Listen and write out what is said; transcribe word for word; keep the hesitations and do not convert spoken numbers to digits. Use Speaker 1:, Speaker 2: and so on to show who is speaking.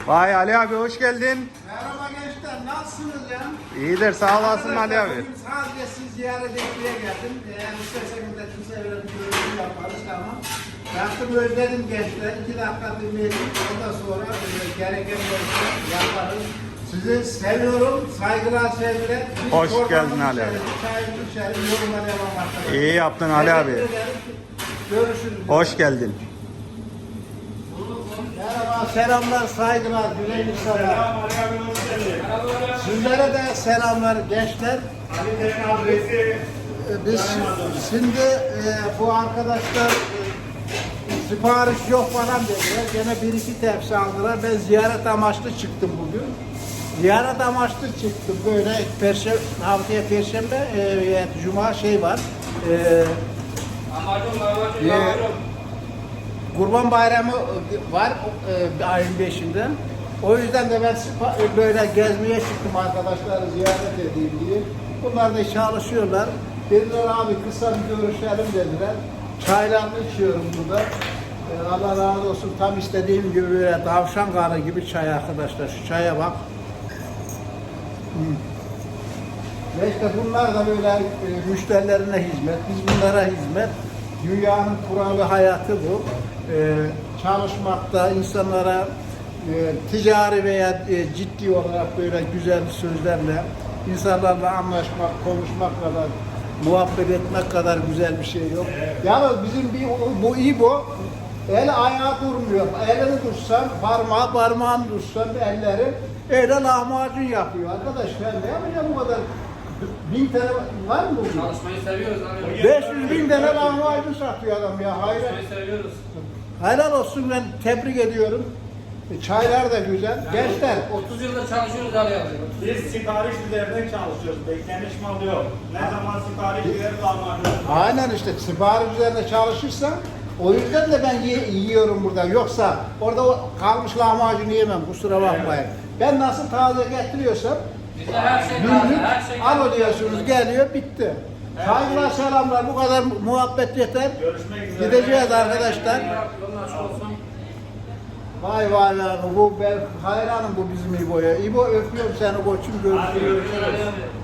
Speaker 1: Vay Ali abi hoş geldin.
Speaker 2: Merhaba gençler, nasılsınız ya?
Speaker 1: İyidir sağ olasın Ali abi.
Speaker 2: Bugün sadece sizi ziyaret etmeye geldim. Eğer isterseniz de kimse öyle bir görüşme yaparız ama baktım özledim gençler. İki dakika dinleyelim. Ondan sonra e, gereken görüşme yaparız. Sizi seviyorum, saygılar, sevgiler. Biz
Speaker 1: Hoş
Speaker 2: çorbanın
Speaker 1: geldin Ali
Speaker 2: içeriz,
Speaker 1: abi.
Speaker 2: çayımızı içelim, yoruma devam arkadaşlar.
Speaker 1: İyi yaptın Ali abi.
Speaker 2: Teşekkür ederim. Görüşürüz.
Speaker 1: Hoş geldin.
Speaker 2: Merhaba, selamlar, saygılar, güzel insanlar. Sizlere de selamlar gençler. Ee, Biz şimdi e, bu arkadaşlar e, sipariş yok falan dediler. Gene bir iki tepsi aldılar. Ben ziyaret amaçlı çıktım bugün. Ziyaret amaçlı çıktım. Böyle perşembe, haftaya perşembe, e, cuma şey var. E,
Speaker 3: Amacım, amacım,
Speaker 2: Ye-
Speaker 3: amacım.
Speaker 2: Kurban Bayramı var e, ayın beşinde. O yüzden de ben spa- böyle gezmeye çıktım arkadaşları ziyaret edeyim diye. Bunlar da çalışıyorlar. Dediler abi kısa bir görüşelim dediler. Çaylarını içiyorum burada. E, Allah razı olsun, tam istediğim gibi böyle tavşan kanı gibi çay arkadaşlar. Şu çaya bak. Hmm. Ve işte bunlar da böyle e, müşterilerine hizmet, biz bunlara hizmet. Dünyanın kuralı hayatı bu. E, çalışmakta insanlara e, ticari veya e, ciddi olarak böyle güzel sözlerle insanlarla anlaşmak, konuşmak kadar, muhabbet etmek kadar güzel bir şey yok. Yalnız bizim bir bu iyi bu. El ayağı durmuyor. Elini tutsan, parmağı parmağını tutsan elleri öyle lahmacun yapıyor. Arkadaş ben ne yapacağım bu kadar? Bin tane var mı bugün?
Speaker 3: Çalışmayı seviyoruz abi.
Speaker 2: beş yüz bin tane lahmacun satıyor adam ya. Hayır.
Speaker 3: Çalışmayı seviyoruz.
Speaker 2: Helal olsun, ben tebrik ediyorum. E, Çaylar da güzel. Gençler
Speaker 3: otuz yıldır çalışıyoruz abi.
Speaker 4: Biz sipariş üzerinden çalışıyoruz. Beklenmiş mal yok. Ne zaman sipariş verir lahmacun.
Speaker 2: aynen işte sipariş üzerine çalışırsan o yüzden de ben ye- yiyorum burada. Yoksa orada o kalmış lahmacun yiyemem, kusura bakmayın. Ben nasıl taze getiriyorsam
Speaker 3: Bizde her şey
Speaker 2: gün
Speaker 3: var.
Speaker 2: gün
Speaker 3: Her şey
Speaker 2: alo diyorsunuz, geliyor, bitti. Saygılar, selamlar, bu kadar muhabbet yeter.
Speaker 4: Görüşmek üzere.
Speaker 2: Gideceğiz arkadaşlar.
Speaker 3: Yolun açık olsun.
Speaker 2: Vay vay vay, bu ben hayranım bu bizim İbo'ya. İbo öpüyorum seni koçum, görüşürüz.
Speaker 3: Görüşürüz.